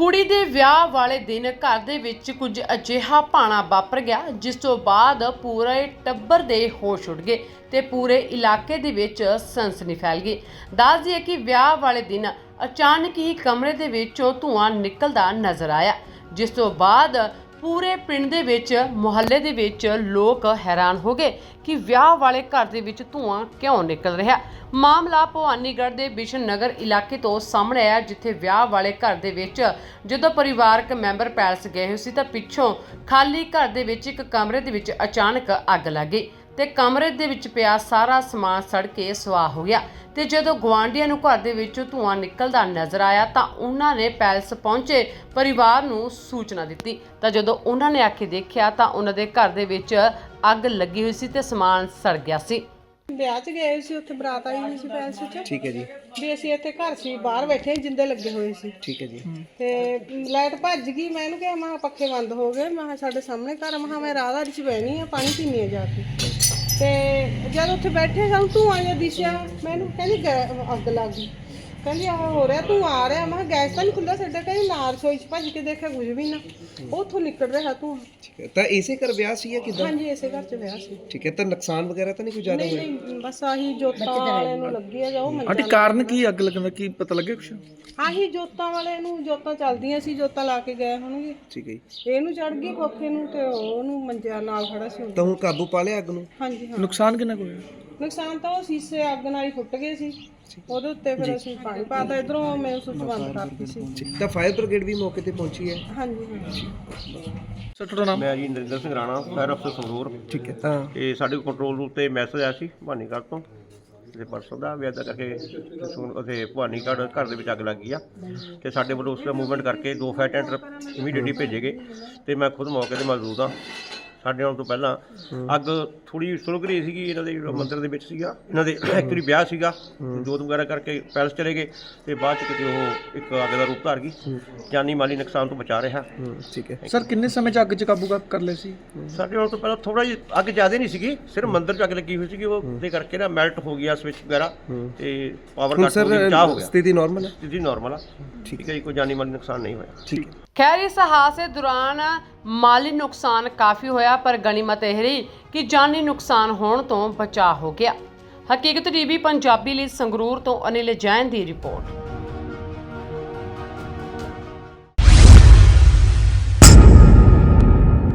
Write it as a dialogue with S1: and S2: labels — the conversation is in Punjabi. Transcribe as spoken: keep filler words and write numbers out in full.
S1: ਕੁੜੀ ਦੇ ਵਿਆਹ ਵਾਲੇ ਦਿਨ ਘਰ ਦੇ ਵਿੱਚ ਕੁਝ ਅਜਿਹਾ ਭਾਣਾ ਵਾਪਰ ਗਿਆ ਜਿਸ ਤੋਂ ਬਾਅਦ ਪੂਰੇ ਟੱਬਰ ਦੇ ਹੋਸ਼ ਉੱਡ ਗਏ ਤੇ ਪੂਰੇ ਇਲਾਕੇ ਦੇ ਵਿੱਚ ਸਨਸਨੀ ਫੈਲ ਗਈ। ਦੱਸ ਦਈਏ ਕਿ ਵਿਆਹ ਵਾਲੇ ਦਿਨ ਅਚਾਨਕ ਹੀ ਕਮਰੇ ਦੇ ਵਿੱਚੋਂ ਧੂੰਆਂ ਨਿਕਲਦਾ ਨਜ਼ਰ ਆਇਆ, ਜਿਸ ਤੋਂ ਬਾਅਦ ਪੂਰੇ ਪਿੰਡ ਦੇ ਵਿੱਚ ਮੁਹੱਲੇ ਦੇ ਵਿੱਚ ਲੋਕ ਹੈਰਾਨ ਹੋ ਗਏ ਕਿ ਵਿਆਹ ਵਾਲੇ ਘਰ ਦੇ ਵਿੱਚ ਧੂੰਆਂ ਕਿਉਂ ਨਿਕਲ ਰਿਹਾ। ਮਾਮਲਾ ਭਵਾਨੀਗੜ੍ਹ ਦੇ ਬਿਸ਼ਨ ਨਗਰ ਇਲਾਕੇ ਤੋਂ ਸਾਹਮਣੇ ਆਇਆ, ਜਿੱਥੇ ਵਿਆਹ ਵਾਲੇ ਘਰ ਦੇ ਵਿੱਚ ਜਦੋਂ ਪਰਿਵਾਰਕ ਮੈਂਬਰ ਪੈਲਸ ਗਏ ਹੋਏ ਸੀ ਤਾਂ ਪਿੱਛੋਂ ਖਾਲੀ ਘਰ ਦੇ ਵਿੱਚ ਇੱਕ ਕਮਰੇ ਦੇ ਵਿੱਚ ਅਚਾਨਕ ਅੱਗ ਲੱਗ ਗਈ ਤੇ ਕਮਰੇ ਦੇ ਵਿੱਚ ਪਿਆ ਸਾਰਾ ਸਮਾਨ ਸੜ ਕੇ ਸੁਆਹ ਹੋ ਗਿਆ। ਤੇ ਜਦੋਂ ਗੁਆਂਢੀਆਂ ਨੂੰ ਘਰ ਦੇ ਵਿੱਚੋਂ ਧੂੰਆਂ ਨਿਕਲਦਾ ਨਜ਼ਰ ਆਇਆ ਤਾਂ ਉਹਨਾਂ ਨੇ ਪੈਲਸ ਪਹੁੰਚੇ ਪਰਿਵਾਰ ਨੂੰ ਸੂਚਨਾ ਦਿੱਤੀ ਤਾਂ ਜਦੋਂ ਉਹਨਾਂ ਨੇ ਆ ਕੇ ਦੇਖਿਆ ਤਾਂ ਉਹਨਾਂ ਦੇ ਘਰ ਦੇ ਵਿੱਚ ਅੱਗ ਲੱਗੀ ਹੋਈ ਸੀ ਤੇ ਸਮਾਨ ਸੜ ਗਿਆ ਸੀ।
S2: ਵਿਆਹ 'ਚ ਗਏ ਸੀ, ਉੱਥੇ ਬਰਾਤ ਆਈ ਹੋਈ ਸੀ ਪੈਲਸ 'ਚ।
S3: ਠੀਕ ਹੈ ਜੀ।
S2: ਵੀ ਅਸੀਂ ਇੱਥੇ ਘਰ ਸੀ, ਬਾਹਰ ਬੈਠੇ ਜਿੰਦੇ ਲੱਗੇ ਹੋਏ ਸੀ।
S3: ਠੀਕ ਹੈ ਜੀ।
S2: ਤੇ ਲਾਈਟ ਭੱਜ ਗਈ। ਮੈਂ ਇਹਨੂੰ ਕਿਹਾ ਮੈਂ ਕਿਹਾ ਪੱਖੇ ਬੰਦ ਹੋ ਗਏ, ਮੈਂ ਕਿਹਾ ਸਾਡੇ ਸਾਹਮਣੇ ਘਰ, ਮੈਂ ਕਿਹਾ ਮੈਂ ਰਾਹ ਚ ਬਹਿਣੀ ਆ, ਪਾਣੀ ਪੀਣੀ ਆ ਜਾ ਕੇ। ਤੇ ਜਦ ਉੱਥੇ ਬੈਠੇ ਸਾਨੂੰ ਧੂੰਆਂ ਜਿਹਾ ਦਿਸਿਆ, ਮੈਨੂੰ ਕਹਿੰਦੀ ਗੈ- ਅੱਗ ਲੱਗ ਗਈ। ਕਹਿੰਦੀ ਆਹ ਹੋ ਰਿਹਾ, ਧੂੰਆਂ ਆ ਰਿਹਾ। ਮੈਂ ਕਿਹਾ ਗੈਸ ਤਾਂ ਨਹੀਂ ਖੁੱਲ੍ਹਾ ਸਾਡਾ। ਕਹਿੰਦੀ ਨਾਲ ਰਸੋਈ 'ਚ ਭੱਜ ਕੇ ਦੇਖਿਆ ਕੁਝ ਵੀ ਨਾ, ਉੱਥੋਂ ਨਿਕਲ ਰਿਹਾ ਧੂੰਆਂ।
S3: ਠੀਕ ਹੈ, ਤਾਂ ਇਸੇ ਘਰ ਵਿਆਹ ਸੀ ਜਾਂ ਕਿਦਾਂ?
S2: ਹਾਂਜੀ, ਇਸੇ ਘਰ 'ਚ ਵਿਆਹ ਸੀ।
S3: ਠੀਕ ਹੈ, ਤਾਂ ਨੁਕਸਾਨ ਵਗੈਰਾ ਤਾਂ ਨਹੀਂ ਕੋਈ ਜ਼ਿਆਦਾ
S2: ਨਹੀਂ
S3: ਹੋਇਆ?
S2: ਨਹੀਂ, ਬਸ ਆਹੀ ਜੋਤਾਂ ਵਾਲੇ ਨੂੰ ਲੱਗੀ ਆ, ਜਾਓ
S4: ਆਂਟੀ ਕਾਰਨ ਕੀ ਅੱਗ ਲੱਗਣ ਦਾ ਕੀ ਪਤਾ ਲੱਗਿਆ ਕੁਛ?
S2: ਆਹੀ ਜੋਤਾਂ ਵਾਲੇ ਨੂੰ, ਜੋਤਾਂ ਚੱਲਦੀਆਂ ਸੀ, ਜੋਤਾਂ ਲਾ ਕੇ ਗਏ ਹੋਣਗੇ।
S3: ਠੀਕ ਹੈ ਜੀ।
S2: ਇਹਨੂੰ ਚੜ ਗਈ ਕੋਠੇ ਨੂੰ ਤੇ ਉਹਨੂੰ ਮੰਜਿਆ ਨਾਲ ਖੜਾ ਸੀ।
S3: ਤਾਂ ਹੁਣ ਕਾਬੂ ਪਾ ਲਿਆ ਅੱਗ ਨੂੰ?
S2: ਹਾਂਜੀ ਹਾਂ।
S4: ਨੁਕਸਾਨ ਕਿੰਨਾ ਕੁ ਹੋਇਆ?
S2: ਨੁਕਸਾਨ ਤਾਂ ਉਹ ਸ਼ੀਸ਼ੇ ਅੱਗ ਨਾਲ ਹੀ ਫੁੱਟ ਗਏ ਸੀ, ਉਹਦੇ ਉੱਤੇ ਫਿਰ ਅਸੀਂ ਪਾਣੀ ਪਾਤਾ। ਇਧਰੋਂ ਮੈਂ ਸੁੱਚ ਬੰਦ ਕਰਤੀ ਸੀ।
S3: ਠੀਕ, ਤਾਂ ਫਾਇਰ ਬ੍ਰਿਗੇਡ ਵੀ ਮੌਕੇ ਤੇ ਪਹੁੰਚੀ ਹੈ?
S2: ਹਾਂਜੀ ਹਾਂ।
S4: ਸਰ ਤੁਹਾਡਾ ਨਾਮ?
S5: ਮੈਂ ਜੀ ਨਰਿੰਦਰ ਸਿੰਘ ਰਾਣਾ, ਫਾਇਰ ਅਫਸਰ ਸੰਗਰੂਰ।
S3: ਠੀਕ ਹੈ। ਤਾਂ
S5: ਤੇ ਸਾਡੇ ਕੋਲ ਕੰਟਰੋਲ ਰੂਮ ਤੇ ਮੈਸੇਜ ਆਇਆ ਸੀ ਭਵਾਨੀਗੜ੍ਹ ਤੋਂ ਤੇ ਪਰਸੋਂ ਦਾ ਵੀ ਇੱਦਾਂ ਕਰਕੇ ਉੱਥੇ ਭਵਾਨੀਗੜ੍ਹ ਘਰ ਦੇ ਵਿੱਚ ਅੱਗ ਲੱਗ ਗਈ ਆ ਤੇ ਸਾਡੇ ਵੱਲੋਂ ਉਸ ਦਾ ਮੂਵਮੈਂਟ ਕਰਕੇ ਦੋ ਫਾਇਰ ਟੈਂਡਰ ਇਮੀਡੀਏਟਲੀ ਭੇਜੇ ਗਏ ਤੇ ਮੈਂ ਖੁਦ ਮੌਕੇ ਤੇ ਮੌਜੂਦ ਹਾਂ। ਸਾਡੇ ਆਉਣ ਤੋਂ ਪਹਿਲਾਂ ਅੱਗ ਥੋੜੀ ਸੁਲਗ ਰਹੀ ਸੀਗੀ, ਇਹਨਾਂ ਦੇ ਜਿਹੜਾ ਮੰਦਿਰ ਦੇ ਵਿੱਚ ਸੀਗਾ, ਇਹਨਾਂ ਦੇ ਐਕਚੁਅਲੀ ਵਿਆਹ ਸੀਗਾ, ਜੋਤ ਵਗੈਰਾ ਕਰਕੇ ਪੈਲਸ ਚਲੇ ਗਏ ਤੇ ਬਾਅਦ ਚ ਕਿਤੇ ਉਹ ਇੱਕ ਅੱਗ ਦਾ ਰੂਪ ਧਾਰ ਗਈ। ਜਾਨੀ ਮਾਲੀ ਨੁਕਸਾਨ ਤੋਂ ਬਚਾ ਰਿਹਾ।
S3: ਠੀਕ ਹੈ।
S4: ਸਰ ਕਿੰਨੇ ਸਮੇਂ ਚ ਅੱਗ ਚ ਕਾਬੂ ਕਰ- ਕਰ ਲਏ ਸੀ?
S5: ਸਾਡੇ ਆਉਣ ਤੋਂ ਪਹਿਲਾਂ ਥੋੜਾ ਜਿਹਾ ਅੱਗ ਜ਼ਿਆਦਾ ਨਹੀਂ ਸੀਗੀ, ਸਿਰਫ ਮੰਦਿਰ ਚ ਅੱਗ ਲੱਗੀ ਹੋਈ ਸੀਗੀ, ਉਹ ਦੇ ਕਰਕੇ ਨਾ ਮੈਲਟ ਹੋ ਗਿਆ ਸਵਿਚ ਵਗੈਰਾ ਤੇ ਪਾਵਰ
S3: ਹੁਣ
S5: ਕੱਟ ਹੋ ਗਿਆ,
S3: ਸਰ
S5: ਬਚਾਅ ਹੋ ਗਿਆ।
S3: ਸਥਿਤੀ ਨਾਰਮਲ ਹੈ?
S5: ਸਥਿਤੀ ਨਾਰਮਲ ਆ। ਠੀਕ ਹੈ ਜੀ, ਕੋਈ ਜਾਨੀ ਮਾਲੀ ਨੁਕਸਾਨ ਨਹੀਂ ਹੋਇਆ।
S3: ਠੀਕ ਹੈ।
S1: ਖੈਰ ਇਸ ਹਾਦਸੇ ਦੌਰਾਨ ਮਾਲੀ ਨੁਕਸਾਨ ਕਾਫੀ ਹੋਇਆ, ਪਰ ਗਨੀਮਤ ਇਹ ਰਹੀ ਕਿ ਜਾਨੀ ਨੁਕਸਾਨ ਹੋਣ ਤੋਂ ਬਚਾਅ ਹੋ ਗਿਆ। ਹਕੀਕਤ ਟੀਵੀ ਪੰਜਾਬੀ ਲਈ ਸੰਗਰੂਰ ਤੋਂ ਅਨਿਲ ਜੈਨ ਦੀ ਰਿਪੋਰਟ।